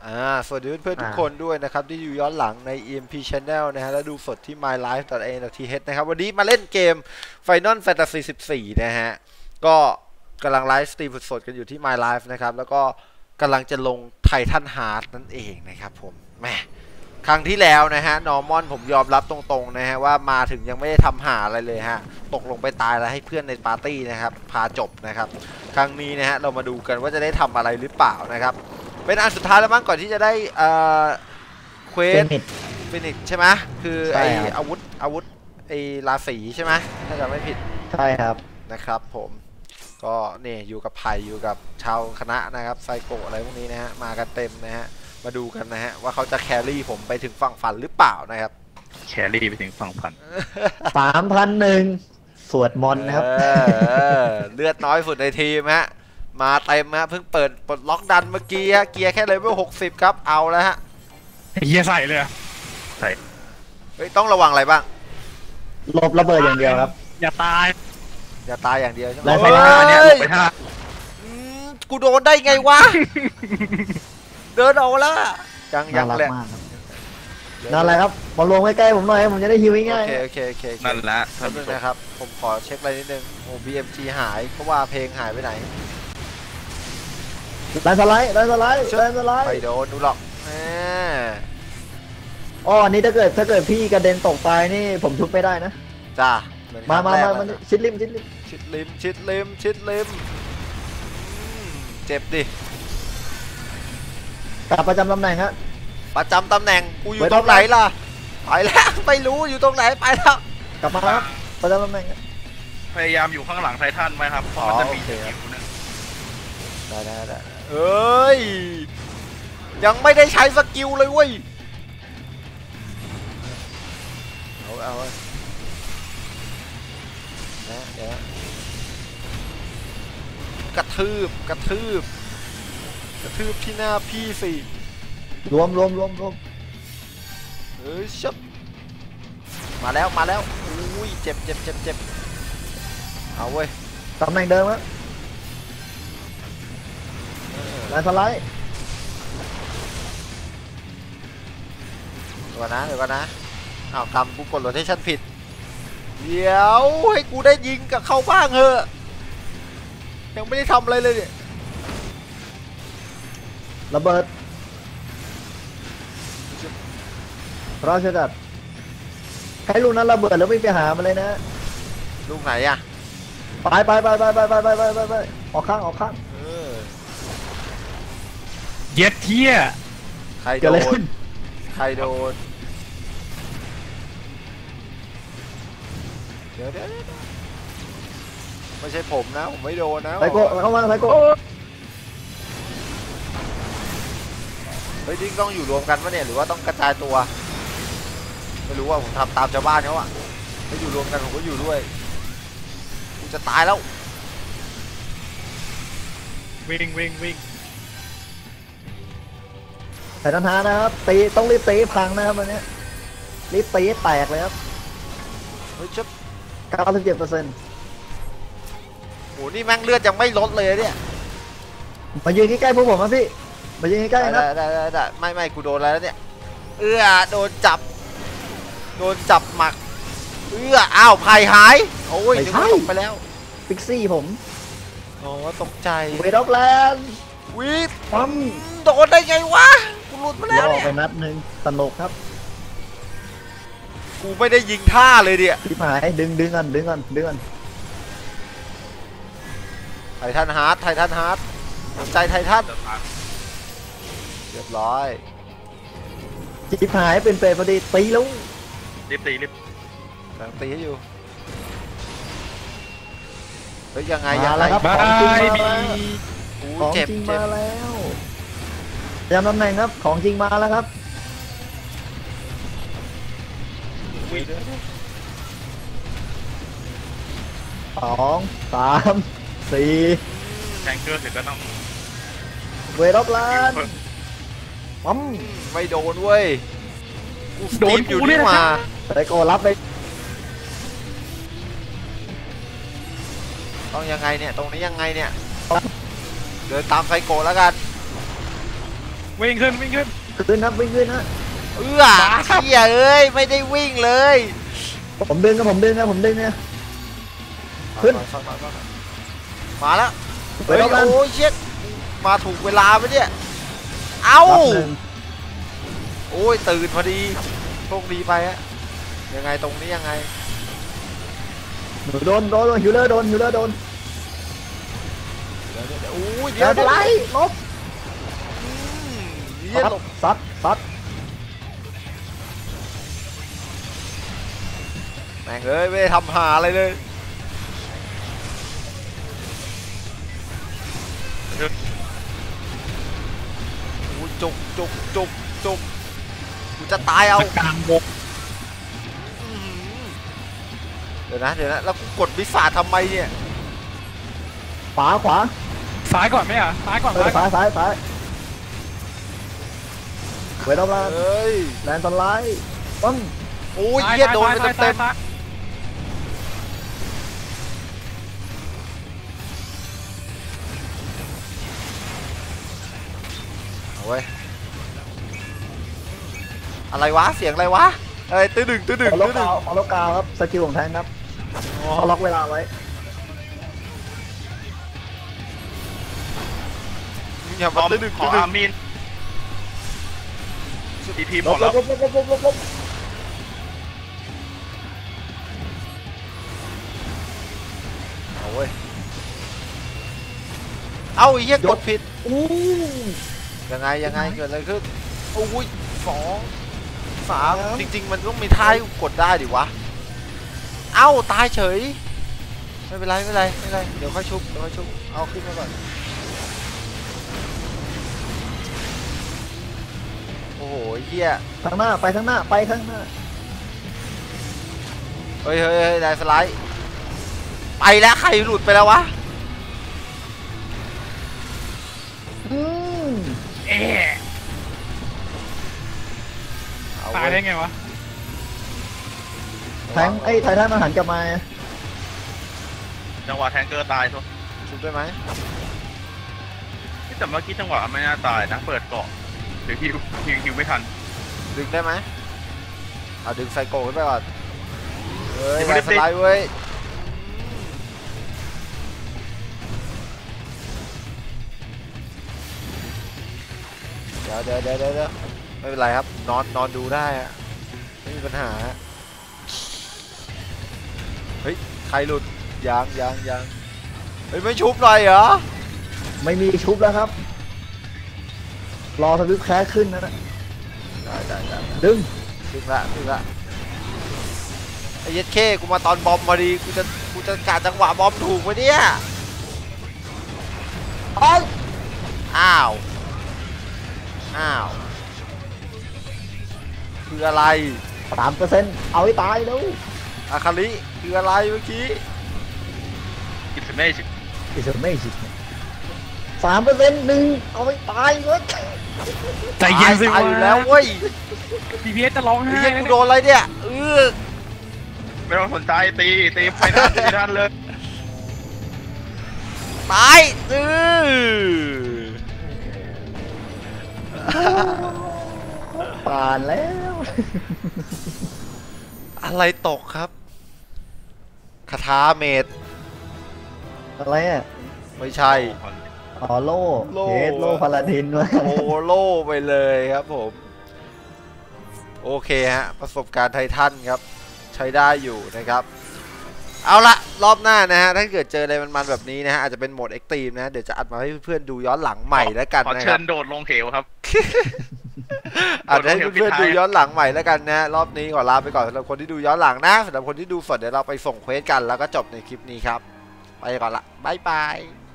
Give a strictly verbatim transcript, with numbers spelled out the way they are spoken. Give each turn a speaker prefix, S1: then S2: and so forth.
S1: อ่าสวัสดีเพื่อนๆทุกคนด้วยนะครับที่อยู่ย้อนหลังใน อี เอ็ม พี Channel นะฮะและดูสดที่ มายไลฟ์ ดอท เอ เอ็น ดอท ที เอช นะครับวันนี้มาเล่นเกม Final Fantasy สิบสี่นะฮะก็กำลังไลฟ์สตรีมสดๆกันอยู่ที่ มายไลฟ์ นะครับแล้วก็กำลังจะลง Titan Heart นั่นเองนะครับผมแหมครั้งที่แล้วนะฮะนอร์มอนผมยอมรับตรงๆนะฮะว่ามาถึงยังไม่ได้ทำหาอะไรเลยฮะตกลงไปตายแล้วให้เพื่อนในปาร์ตี้นะครับพาจบนะครับครั้งนี้นะฮะเรามาดูกันว่าจะได้ทำอะไรหรือเปล่านะครับเป็นอันสุดท้ายแล้วมั้งก่อนที่จะได้เอ่อเควสฟินิชใช่ไหมคือไออาวุธอาวุธไอราศีใช่ไหมถ้าจำไม่ผิด
S2: ใช่ครับ
S1: นะครับผมก็นี่อยู่กับไผ่อยู่กับชาวคณะนะครับไซโกะอะไรพวกนี้นะฮะมากันเต็มนะฮะมาดูกันนะฮะว่าเขาจะแครี่ผมไปถึงฝั่งฝันหรือเปล่านะครับ
S3: แครี่ไปถึงฝั่งฝัน
S2: สามพันหนึ่งสวดมนต์นะครับ
S1: เลือดน้อยสุดในทีมฮะมาเต็มฮะเพิ่งเปิดปลดล็อกดันเมื่อกี้ฮะเกียร์แค่เลเวลหกสิบครับเอาแล้วฮะ
S3: เฮียใส่เลยใส่
S1: เฮ้ยต้องระวังอะไรบ้าง
S2: หลบระเบิดอย่างเดียวครับ
S3: อย่าตาย
S1: อย่าตายอย่างเดียวใช่ไหม
S2: แล้วไฟหน้า
S3: เนี่ยหลบไปท่า
S1: กูโดนได้ไงวะเดินออกแล้วยังยังแหละ
S2: นั่นแหละครับมาลงใกล้ๆผมหน่อยผมจะได้ฮิวง่าย
S1: ๆโอเคโอเคโอเค
S3: นั่นแหละ
S1: ท่านผู้ชมนะครับผมขอเช็คอะไรนิดนึงโอ้ บี เอ็ม จี หายเพราะว่าเพลงหายไปไหน
S2: ไล่สไลด์ไล่สไลด์ไล่สไลด์
S1: ไม่โดนดูหรอก
S2: อ๋อนี่ถ้าเกิดถ้าเกิดพี่กระเด็นตกไปนี่ผมทุบไม่ได้นะ
S1: จ้า
S2: มามามาชิดริมชิดริม
S1: ชิดริมชิดริมชิดริมเจ็บดิ
S2: กลับประจำตำแหน่งฮะ
S1: ประจำตำแหน่งกูอยู่ตรงไหนล่ะไปแล้วไม่รู้อยู่ตรงไหนไปแล้ว
S2: กลับมาครับประจำตำแหน่ง
S3: พยายามอยู่ข้างหลังไททันไว้ครับเพราะมันจะมีสกิลนึง
S1: ได้ได้ได้เอ้ยยังไม่ได้ใช้สกิลเลยเว้ยเอาเอานะเดี๋ยวกระทืบกระทืบกระทืบที่หน้าพี่สิ
S2: รวมรวมรวมรวม
S1: เฮ้ยชับมาแล้วมาแล้วอุ้ยเจ็บเจ็บเจ็บเจ็บเอาเว้ย
S2: ตำแหน่งเดิมฮะไล่สไลด์
S1: เดี๋ยวนะเดี๋ยวนะอ้าวกำกูกดโรเทชั่นผิดเดี๋ยวให้กูได้ยิงกับเขาบ้างเถอะยังไม่ได้ทำอะไรเลยเนี่ย
S2: ระเบิดราชดัดใครลูกนั้นระเบิดแล้วไม่ไปหามาเลยนะ
S1: ลูกไหนอะ
S2: ไปไปไปไปไปไปไปไปไปไปออกข้างออกข้าง
S3: เย็ดเที่ย
S1: ใครโดนใครโดนเดี๋ยวเดี๋ยวไม่ใช่ผมนะผมไม่โดนนะ
S2: ไซโก้เข้ามาไซโก้
S1: เฮ้ยดิ้งต้องอยู่รวมกันปะเนี่ยหรือว่าต้องกระจายตัวไม่รู้ว่าผมทำตามชาวบ้านเขาอะถ้าอยู่รวมกันผมก็อยู่ด้วยกูจะตายแล้ว
S3: วิ่งวิ่งวิ่ง
S2: ใส่ทันทานะครับตีต้องรีบตีพังนะครับวันนี้รีบตีแตกเลยครับ
S1: เฮ้ยชุด
S2: เก้าสิบเจ็ดเปอร์เซ็นต์
S1: โหนี่แม่งเลือดยังไม่ลดเลยเนี่ย
S2: มายืนใกล้ๆพวกผมนะพี่มายืนใกล้ๆนะ
S1: ได้ได้ได้ไม่ไม่กูโดนแล้วเนี่ยเอื้อโดนจับโดนจับหมักเอื้ออ้าวไผ่หายโอ้ยตกไปแล้ว
S2: พิกซี่ผม
S1: อ๋อตกใจ
S2: เวดอฟแลนด์
S1: วิท
S2: ปั๊ม
S1: โดนได้ไงวะกูหลุดมาแล้วเนี่ย
S2: ไปนัดหนึ่งสนุกครับ
S1: กูไม่ได้ยิงท่าเลยเนี่ย
S2: พี่หมายดึงดึงกันดึงกันดึงกัน
S1: ไททันฮาร์ดไททันฮาร์ดสนใจไททันเรียบร้อย
S2: จิบหายเป็นเปรย์พอดีตีลุง
S3: รีบตีรีบ
S1: กำลังตีให้อยู่เฮ้ยยังไง
S2: ยังไงครับของจริงมาแล้วของจริงมาแล้วจำตำแหน่งครับของจริงมาแล้วครับสองสามสี่
S3: แทงเกอร์เสร็จก็ต้อง
S2: เวรอบล้านปั๊ม
S1: ไม่โดนเว้ยโดนอยู่นี่มา
S2: ไซโก้รับไป
S1: ต้องยังไงเนี่ยตรงนี้ยังไงเนี่ยเดินตามไซโก้แล้วกัน
S4: วิ่งขึ้นวิ่งขึ้น
S2: ขึ้นนะวิ่งขึ้นนะ
S1: เอื้อเชี่ยเอ้ยไม่ได้วิ่งเลย
S2: ผมดึงนะผมดึงนะผมดึงนะ ขึ้น
S1: มาแล้ว
S2: ไป
S1: เฮ้ย
S2: รอบนั้น
S1: โอ้ยเชี่ยมาถูกเวลาไหมเนี่ยเอ้า
S2: รับหนึ่ง
S1: โอ้ยตื่นพอดีโชคดีไปฮะยังไงตรงนี้ยังไง
S2: หนูโดนโดนฮิวเลอร์โดนฮิวเลอร์โดน
S1: เดี๋ยวเดี๋ยวโอ้ย
S2: เดี๋
S1: เดี๋
S2: ย
S1: ยว วเดี๋ยว
S2: ไล่ลบ
S1: อืมเหี้ย
S2: ซัด
S1: หลบ
S2: ซัดซัด
S1: แม่งเอ้ยไม่ได้ทำหาอะไรเลยโอ้ยจุกจุกจุกจุกกูจะตายเอา
S4: กลางวง
S1: อื้อหือเดี๋ยวนะเดี๋ยวนะแล้วกูกดวิสาทำไมเนี่ย
S2: ขวาขวา
S4: ซ้ายก่อนไหมอ่ะซ้ายก่อน
S2: เออ
S4: ซ้ายก่
S2: ซ้า
S4: อน
S2: ยซ้ายซ้ายไว้รอบล่าง
S1: เฮ้ย
S2: แลนด์สไลด์ปั้ง
S1: โอ้ยเหี้ยโดนไป
S4: ซ้าย
S1: เต็ม
S4: ซ้าย
S1: ๆเอาเว้ยอะไรวะเสียงอะไรวะเอ้ยตื้อดึงตื้อดึง
S2: ขอล็อก
S1: ตื้อดึ
S2: กาง วขอล็อกกาวครับสกิลของแทงครับ
S1: อ๋อ
S2: เขาล็อกเวลาไว้
S1: อย่า
S3: บ
S1: มา
S3: อม
S1: ตื้อดึง
S3: ขอ
S1: ตื้อดึ
S3: อาง มินทีพีห
S2: ล
S3: ม
S2: บ
S3: ด
S2: ล
S3: แล้ว
S2: บลบลบลบลบลบลบ
S1: เอาเว้ยเอาไอ้เหี้ยกดผิด
S2: อู้
S1: ยังไงยังไงเกิดอะไรขึ้นโอ้ยสองสามจริงๆมันต้องมีท่าให้กดได้ดิวะเอ้าตายเฉยไม่เป็นไรไม่เป็นไรไม่เป็นไรเดี๋ยวค่อยชุบเดี๋ยวค่อยชุบเอาขึ้นมาก่อนโอ้โหเหี้ย
S2: ทางหน้าไปทางหน้าไปทางหน้า
S1: เฮ้ยเฮ้ยเฮ้ยได้สไลด์ไปแล้วใครหลุดไปแล้ววะ
S2: อืม
S4: เอ๊ะ
S1: เอา
S4: ตาย
S1: เว้
S4: ได้
S1: ย
S4: ไงวะ
S2: แทงไอ้ไททันมันหันกลับมา
S3: จังหวะแทงเกอร์ตายทุก
S1: ชุบได้ไหม
S3: แต่เมื่อกี้จังหวะไม่น่าตายนะเปิดเกาะหรือฮิวฮิวฮิวไม่ทัน
S1: ดึงได้ไหมเอาดึงไซโก้ขึ้นไปก่อนเฮ้ย
S3: ยังไม่
S1: ได้
S3: ได้
S1: สไลด์เว้ยเดี๋ยวเดี๋ยวเดี๋ยวเดี๋ยวไม่เป็นไรครับนอนนอนดูได้อะไม่มีปัญหาเฮ้ยใครหลุดยางยางยางเฮ้ยไม่ชุบหน่อยเหรอ
S2: ไม่มีชุบแล้วครับ รอสวิปแคสขึ้นนะนะ
S1: ได้ได้ได้
S2: ดึง
S1: ดึงละดึงละไอ้เย็ดเข้กูมาตอนบอมพอดีกูจะกูจะกะจังหวะบอมถูกไหมเนี่ย
S2: อ้าว
S1: อ้าวอ้าวคืออะไร
S2: สามเปอร์เซ็นต์เอาให้ตายแล้ว
S1: อาคาริคืออะไรเมื่อกี้
S3: อิสเม่ชิ
S2: อิสไม่สิสามเปอร์เซ็นต์หนึ่งเอาให้ตายเลย
S4: ใจเย็นสิ
S1: ตายว
S4: ะ
S1: อยู่แล้วเว้ย
S4: ดีพีเอสจะร้อง
S1: ไอ้
S4: ไห้
S1: เหี้ย
S4: แล้ว
S1: กู
S4: เนี่ย
S1: โดนอะไรเนี่ยเออ
S3: ไม่ต้องสนใจตีตีไปทันตีทันเลย
S1: ตายเออ
S2: ผ่านแล้ว
S1: อะไรตกครับคาถาเมด
S2: อะไรอ่ะ
S1: ไม่ใช่
S2: อ๋อโล่
S1: โล่
S2: เฮดโล่พาลาดินวะ
S1: โอโล่ไปเลยครับผมโอเคฮะประสบการณ์ไททันครับใช้ได้อยู่นะครับเอาละรอบหน้านะฮะถ้าเกิดเจออะไรมันๆแบบนี้นะฮะอาจจะเป็นโหมดเอ็กซ์ตรีมนะเดี๋ยวจะอัดมาให้เพื่อนๆดูย้อนหลังใหม่แล้วกัน
S3: ขอ
S1: นะค
S3: เชิ
S1: รับ
S3: ญโดดลงเหวครับ
S1: อาจจะให้เพื่อนๆดูย้อนหลังใหม่แล้วกันนะรอบนี้ขอลาไปก่อนสำหรับคนที่ดูย้อนหลังนะสำหรับคนที่ดูสดเดี๋ยวเราไปส่งเควสกันแล้วก็จบในคลิปนี้ครับไปก่อนละบ๊ายบาย